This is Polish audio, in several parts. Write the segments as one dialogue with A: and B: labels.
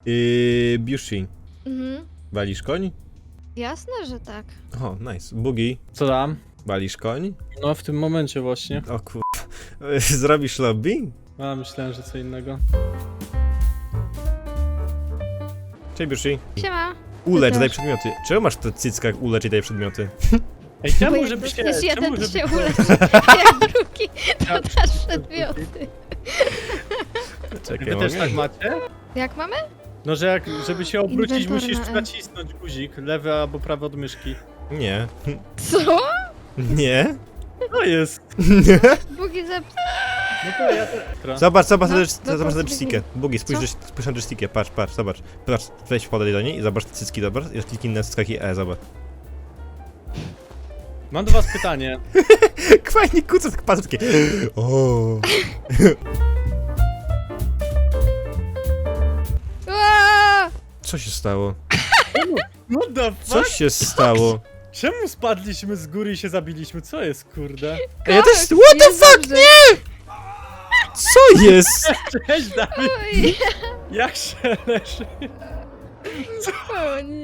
A: Biushi, walisz koń?
B: Jasne, że tak.
A: O, nice. Bugi,
C: Co dam?
A: walisz koń?
C: No w tym momencie właśnie.
A: O kur... Zrobisz lobby?
C: A myślałem, że co innego.
A: Cześć Biushi.
B: Siema.
A: Ulecz,
B: też.
A: daj przedmioty. Czemu masz te cycka jak ulecz i daj przedmioty?
C: Ej,
B: Bo
C: czemu,
B: jak
C: żeby się...
B: dostaniesz jeden,
C: Czemu,
B: to
C: żeby...
B: się uleczy, a drugi to dasz przedmioty.
A: Czekaj,
C: Wy też
A: mogę?
C: tak macie?
B: Jak mamy?
C: No, że jak, żeby się obrócić,
B: Inwentory
C: musisz
B: na E.
C: nacisnąć guzik, lewy albo prawy od myszki.
A: Nie.
B: Co?
A: Nie?
C: To jest.
A: Nie?
B: Bugi zepsuł.
C: No to ja też.
A: Zobacz
B: No,
A: zobacz na
B: to
A: joystickę. Bugi,
B: Co?
A: spójrz na joystickę, patrz, zobacz. Patrz, weź podaj do niej i zobacz te cycki, zobacz. I kliknij na cyckach i zobacz.
C: Mam do was pytanie.
A: Fajnie kuca, tak patrz takie. O.
B: Aaa!
A: Co się stało?
C: No the
A: Co
C: fuck?
A: się stało?
C: Czemu spadliśmy z góry i się zabiliśmy? Co jest, kurde?
A: Ej, ja też...
B: Koks,
A: What the
B: jest
A: fuck,
B: dobrze.
A: nie! Co jest?
C: Cześć, Dawid!
B: Oj,
C: Jak się leży?
B: o nie.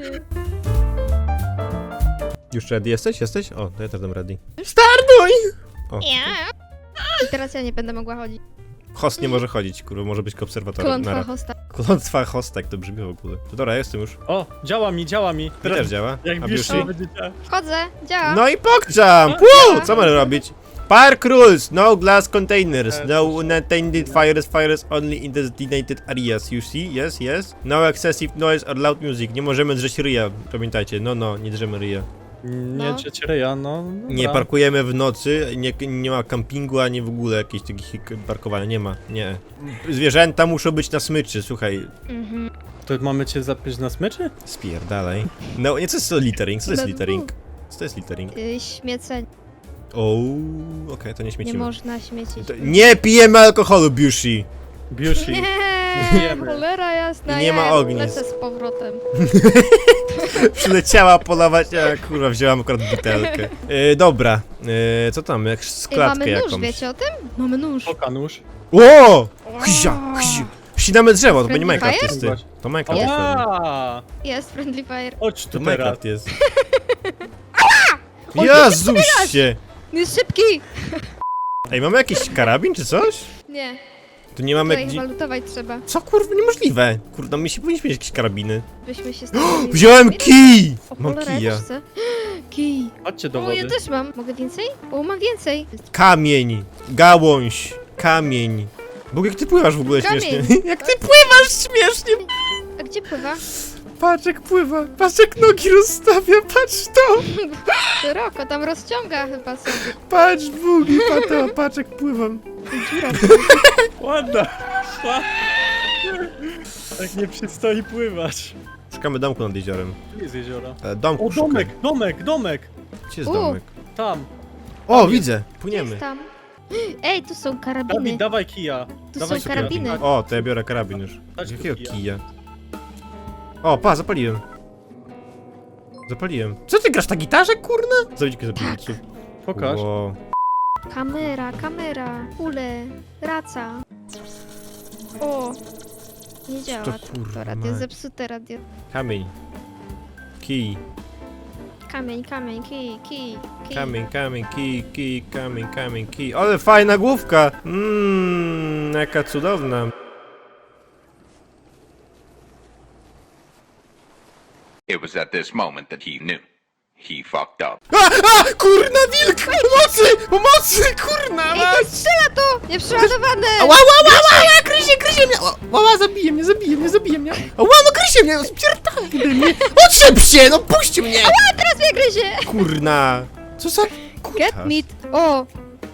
A: Już ready jesteś? Jesteś? O, to ja też dam ready. Startuj! O,
B: Ja. I teraz ja nie będę mogła chodzić.
A: host nie może chodzić, kurwa, może być obserwatorem.
B: Klątwa
A: Nara.
B: hosta.
A: Klątwa hosta, jak to brzmi w ogóle. To dobra, jestem już.
C: O, działa mi, działa mi.
A: Mi też działa.
C: Jak
A: A
C: bierz
A: Biushi?
C: będzie działa.
B: Wchodzę, działa.
A: No i pokczam! Co mamy robić? Park rules! No glass containers, no unattended fires only in designated areas, you see? Yes. No excessive noise or loud music. Nie możemy drzeć ryja, pamiętajcie. No, nie drzemy ryja.
C: Nie,
B: No.
C: trzeci ryja, no. Dobra.
A: Nie parkujemy w nocy, nie ma kampingu, ani w ogóle jakichś takich parkowania, nie ma, nie. Zwierzęta muszą być na smyczy, słuchaj.
B: Mhm.
C: To mamy cię zapiąć na smyczy?
A: Spierdalaj. No, nie, co jest to littering? Co to jest
B: No,
A: littering? Co to jest littering?
B: Śmieceń.
A: O, okej, to nie
B: Nie
A: śmiecimy.
B: można śmiecić.
A: Nie pijemy alkoholu, Biushi!
C: Biushi.
B: Nie,
C: Jemy.
B: cholera jasna.
A: Nie ma
B: ja
A: ognisk.
B: Lecę z powrotem.
A: Przyleciała polować, a kurwa, wzięłam akurat butelkę. Dobra, co tam, jak
B: Ej,
A: składkę
B: mamy nóż,
A: jakąś.
B: wiecie o tym? Mamy nóż.
C: Oka nóż.
A: O! Ścinamy drzewo, to będzie
B: Friendly
A: Minecraft
B: fire?
A: jest, ty. To Minecraft jest pewnie.
C: Ała!
B: Jest friendly fire.
C: Chodź
A: To
C: tu teraz.
A: Minecraft jest. Jezusie!
B: Jest szybki!
A: Ej, mamy jakiś karabin czy coś?
B: Nie,
A: Tu nie mamy
B: tutaj
A: gdzie...
B: chyba lutować trzeba.
A: Co kurwa, niemożliwe. Kurde, my się powinniśmy mieć jakieś karabiny.
B: Byśmy się stali.
A: Wziąłem kij!
B: O
A: Mam
B: cholera, ja
A: kija.
B: też chcę. Kij.
C: Chodźcie do
B: O, ja
C: wody.
B: też mam. Mogę więcej? O, mam więcej.
A: Kamień, gałąź, kamień. Bóg, jak ty pływasz w ogóle
B: Kamień.
A: śmiesznie? Jak ty pływasz śmiesznie!
B: A gdzie pływa?
A: Patrz jak pływa, patrz jak nogi rozstawia, patrz to!
B: Szeroko, tam rozciąga chyba sobie.
A: Patrz Bugi, patrz jak pływam.
B: Dziura.
C: Ładna. Tak nie przystoi pływać.
A: Szukamy domku nad jeziorem.
C: Tu jest jezioro.
A: Domku
C: O,
A: szukaj.
C: domek!
A: Gdzie jest
B: U.
A: domek?
C: Tam.
A: O, widzę, płyniemy.
B: Jest tam. Ej, tu są karabiny.
C: Dawid, dawaj kija.
B: Tu
C: Dawaj
B: są
C: kija.
B: karabiny.
A: O, to ja biorę karabin już.
C: Chodź tu,
A: Jakiego
C: kija.
A: kija? O, zapaliłem. Zapaliłem. Co ty grasz na gitarze, kurna? Zawiedź zapalić.
C: Pokaż.
A: Wow.
B: Kamera, kule, raca. O, nie działa.
A: To
B: To
A: kurwa
B: radio,
A: mać.
B: zepsute radio.
A: Kamień. Kij.
B: Kamień, kij.
A: Kamień, kamień, kij. Ale fajna główka! Jaka cudowna.
D: It was at this moment that he knew. He fucked up.
A: Kurna wilk! Pomocy, kurna!
B: Ej, to strzela to! Nieprzeładowane!
A: Ła, gryzie mnie! Ła, zabije mnie! Ła, no gryzie mnie, no spierdalaj ode mnie! Otrzep się, no puść mnie!
B: A teraz mnie gryzie!
A: Kurna! Co za...
B: Get meat! O!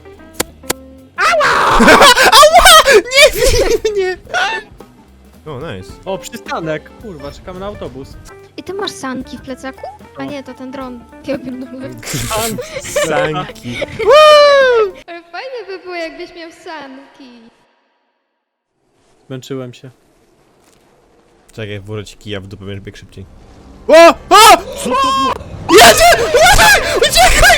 A: Nie bij mnie! O, nice.
C: O, przystanek. Kurwa, czekamy na autobus.
B: I ty masz sanki w plecaku? A nie, to ten dron. Ja pierdolę.
A: Sanki.
B: Ale fajne by było, jakbyś miał sanki.
C: Zmęczyłem się.
A: Czekaj, włożę ci kija w dupę, będziesz biegł szybciej. O! Co to było? Jedzie! Uciekaj!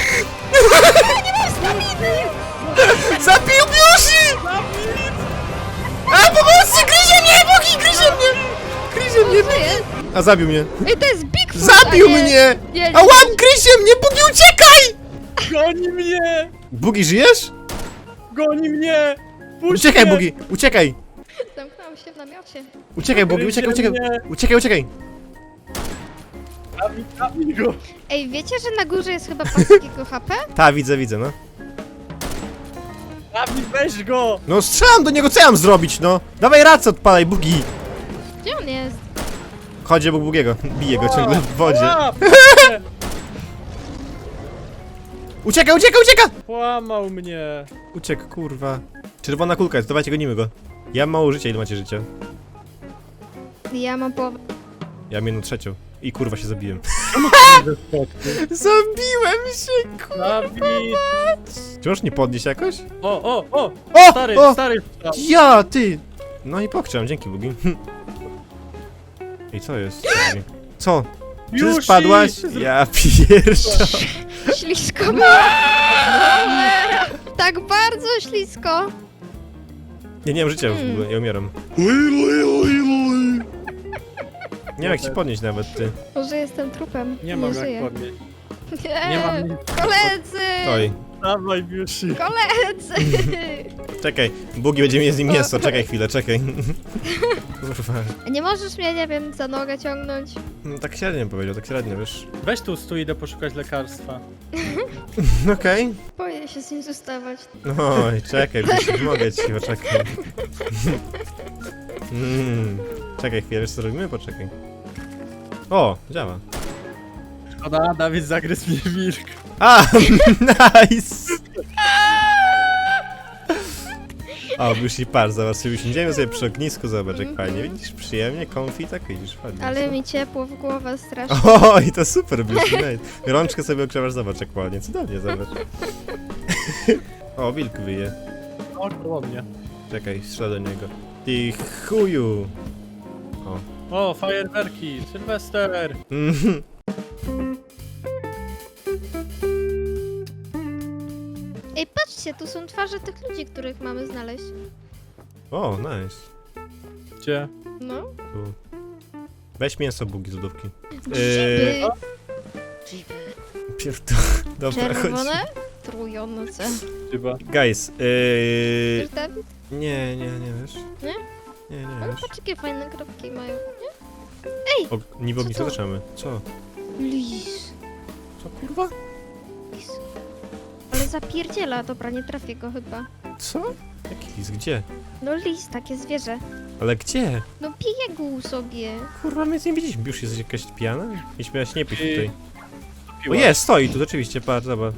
A: Zabił Biushi! A, pomocy! Gryzie mnie! Bogi, gryzie mnie! Chrisie mnie...
B: Co jest?
A: A zabił mnie.
B: Ej, to jest Bigfoot!
A: Zabił
B: a nie-
A: mnie!
B: Nie, nie,
A: A łap Chrisie mnie! Bugi, uciekaj!
C: Goni mnie!
A: Bugi, żyjesz?
C: Goni mnie! Puść
A: Uciekaj,
C: mnie!
A: Bugi, uciekaj!
B: Zamknąłem się w namiocie.
A: Uciekaj, Bugi, uciekaj, uciekaj!
C: Nie.
A: Uciekaj, uciekaj!
C: Zabij go!
B: Ej, wiecie, że na górze jest chyba pas takiego HP?
A: Ta, widzę, no.
C: Zabij, weź go!
A: No strzelam do niego, co ja mam zrobić, no? Dawaj rację, odpalaj, Bugi!
B: Gdzie on jest?
A: Chodź obok Bugiego, bije go ciągle w wodzie.
C: Łap!
A: Ucieka, ucieka, ucieka!
C: Połamał mnie!
A: Uciekł, kurwa. Czerwona kulka jest, dawajcie, gonimy go. Ja mam mało życia, ile macie życia?
B: Ja mam połowę.
A: Ja mam 1/3. I kurwa się zabiłem. Zabiłem się, kurwa!
C: Zabij!
A: Czy możesz nie podnieść jakoś?
C: O!
A: O!
C: Stary,
A: o!
C: stary!
A: Ja, ty! No i pokrzem, dzięki Bugi. Ej, co jest? Co? Czy ty
C: Yushi!
A: spadłaś? Ja pierwsza.
B: Ślisko było. Cholera. Tak bardzo ślisko.
A: Ja nie mam życia w ogóle, ja umieram. Nie wiem jak się podnieść nawet, ty.
B: Może jestem trupem.
C: Nie mam
B: żyję.
C: jak podnieść.
B: Nie,
C: Nie mam nic.
B: Koledzy!
A: Oj,
C: Dawaj, Yushi!
B: Koledzy!
A: czekaj, Bugi będzie mieć z nim mięso, czekaj chwilę, czekaj. Kurwa.
B: Nie możesz mnie, nie wiem, za nogę ciągnąć?
A: Tak średnio powiedział, tak średnio, wiesz.
C: Weź tu stój, idę poszukać lekarstwa.
A: Okej.
B: Boję się z nim zostawać.
A: Oj, czekaj, pomogę ci, poczekaj. Czekaj chwilę, wiesz co robimy? Poczekaj. O, działa.
C: Szkoda, Dawid zagryzł mnie wilk.
A: A, nice! O, już i par, zobacz, sobie usiądziemy sobie przy ognisku, zobacz jak fajnie, widzisz, przyjemnie, comfy, tak widzisz, fajnie.
B: Ale mi ciepło w głowę strasznie.
A: O, i to super, Blushi, nice. Rączkę sobie ogrzewasz, zobacz jak ładnie, cudownie, zobacz. O, wilk wyje.
C: O, koło mnie.
A: Czekaj, strzelę do niego. Ty chuju!
C: O, fajerwerki, Sylwester.
A: Mhm.
B: Ej, patrzcie, tu są twarze tych ludzi, których mamy znaleźć.
A: O, nice.
C: Gdzie?
B: No.
A: Tu. Weź mięso, Bugi z lodówki.
B: Grzyby. Grzyby.
A: Pierdol... Dobra, chodź.
B: Czerwone? Trujące.
C: Chyba.
A: Guys,
B: Wiesz, Dawid?
A: nie wiesz?
B: Nie?
A: Nie
B: Ale
A: wiesz.
B: patrz, jakie fajne kropki mają.
A: O, niby ognisko
B: Co to?
A: zaczynamy. Co?
B: Lis.
A: Co, kurwa?
B: Lis. Ale zapierdziela, dobra, nie trafię go chyba.
A: Co? Jaki lis? Gdzie?
B: No lis, takie zwierzę.
A: Ale gdzie?
B: No biegł sobie.
A: Kurwa, my nic nie widzieliśmy. Już jest jakaś pijana? Mieliśmy miałeś nie pić
C: Ej,
A: tutaj. O
C: Piła.
A: jest, stoi tu rzeczywiście, patrz, zobacz.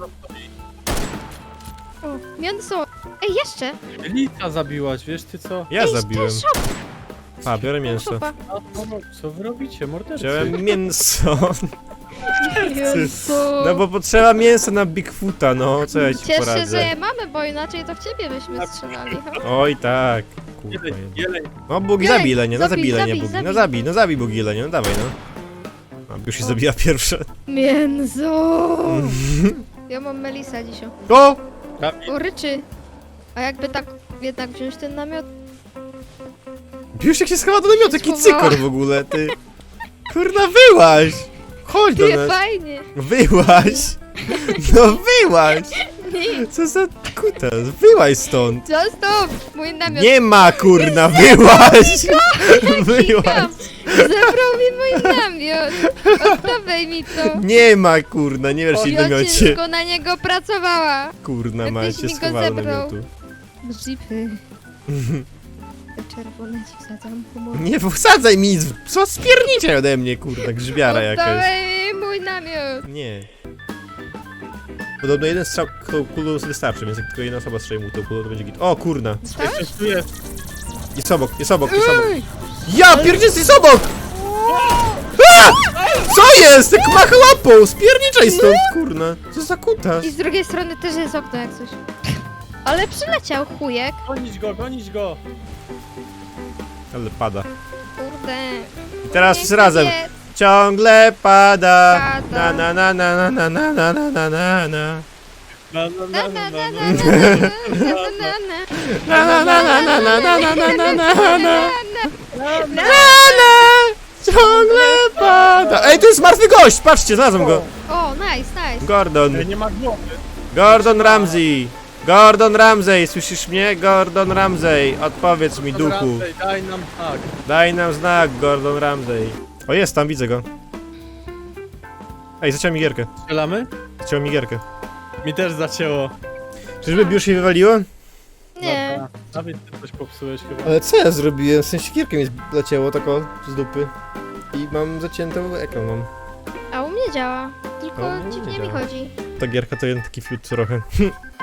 B: O, mięso. Ej, jeszcze.
C: Lita zabiłaś, wiesz ty co?
A: Ja
B: Ej,
A: zabiłem.
B: ten shop.
A: A, biorę mięso.
B: Shopa.
C: Co wy robicie, mordercy?
A: Wziąłem mięso.
B: Mięso.
A: No bo potrzeba mięsa na Bigfoota, no, co ja ci
B: Cieszę się, że
A: poradzę.
B: je mamy, bo inaczej to w ciebie byśmy strzelali. Ha?
A: Oj tak. Kurwa.
C: Jeleń, jeleń.
A: No Bugi,
B: Jeleń,
A: zabij Lenie, no
B: zabij,
A: zabij Lenie,
B: zabij,
A: Bugi. No zabij Bugi Lenie, no dawaj no. A, już się zabiła pierwsza.
B: Mięso. Ja mam Melisa dzisiaj.
A: O!
C: Dawid,
B: O, ryczy. A jakby tak jednak wziąć ten namiot?
A: Już jak się schowa do namiotu, jaki
B: Schowała.
A: cykor w ogóle, ty. Kurna, wyłaź! Chodź do
B: Nie,
A: nas.
B: fajnie.
A: Wyłaź! No wyłaź!
B: Nie,
A: Co za kutas? Wyłaź stąd!
B: zostaw mój namiot.
A: Nie ma kurna, wyłaź! Wyłaź!
B: Zabrał mi mój namiot. Oddawaj mi to.
A: Nie ma kurna, nie wiesz się w
B: Ja
A: namiocie.
B: ciężko na niego pracowała.
A: Kurna,
B: Jakbyś
A: macie
B: mi go
A: schowaną
B: zebrał.
A: namiotu.
B: Grzyby. Te czerwone ci wsadzam pomocy.
A: Nie wsadzaj mi nic! Co spiernicie ode mnie, kurna, grzybiara jakaś.
B: Oddawaj mi mój namiot.
A: Nie. Podobno jeden strzał kulą wystarczy, więc jak tylko jedna osoba strzeli mu tą kulą, to będzie git. O kurna!
B: Dostałeś?
C: coś tu jest.
A: Jest obok, jest obok, jest obok.
B: Ej!
A: Ja pierdzielę, jest obok! A! Co jest? Jak macha łapą! Spierniczaj stąd, kurna! Co za kutas?
B: I z drugiej strony też jest okno jak coś. Ale przyleciał chujek.
C: Gonić go, gonić go.
A: Ale pada.
B: Kurde.
A: I teraz
B: Nie
A: wszyscy razem.
B: chcę.
A: Ciągle pada.
B: Pada.
A: Na na na na na na na na na na na.
C: Na, na,
B: Na,
C: na,
B: na,
C: na,
B: na,
C: na.
B: na, na, na, na, na.
A: Na na na na na na na na na na na. Ciągle pada! Ej, to jest martwy gość! Patrzcie, znalazłem go!
B: O, nice.
A: Gordon.
C: Nie ma głowy.
A: Gordon Ramsay! Gordon Ramsay, słyszysz mnie? Gordon Ramsay, odpowiedz mi, duchu.
C: Ramsey, daj nam tak.
A: Daj nam znak, Gordon Ramsay. O, jest tam, widzę go. Ej, zaciął mi gierkę.
C: Strzelamy?
A: Zaciął mi gierkę.
C: Mi też zacięło.
A: Czyżby już się wywaliło?
B: Nie.
C: Dobra. Dawid, ty coś popsułeś chyba.
A: Ale co ja zrobiłem? W sensie gierkę mi leciało tak o, z dupy. I mam zaciętą ekran mam.
B: A u mnie działa.
A: A u
B: Tylko
A: mnie nie
B: dziwnie mi
A: działa.
B: chodzi.
A: Ta gierka to jeden taki fiut trochę.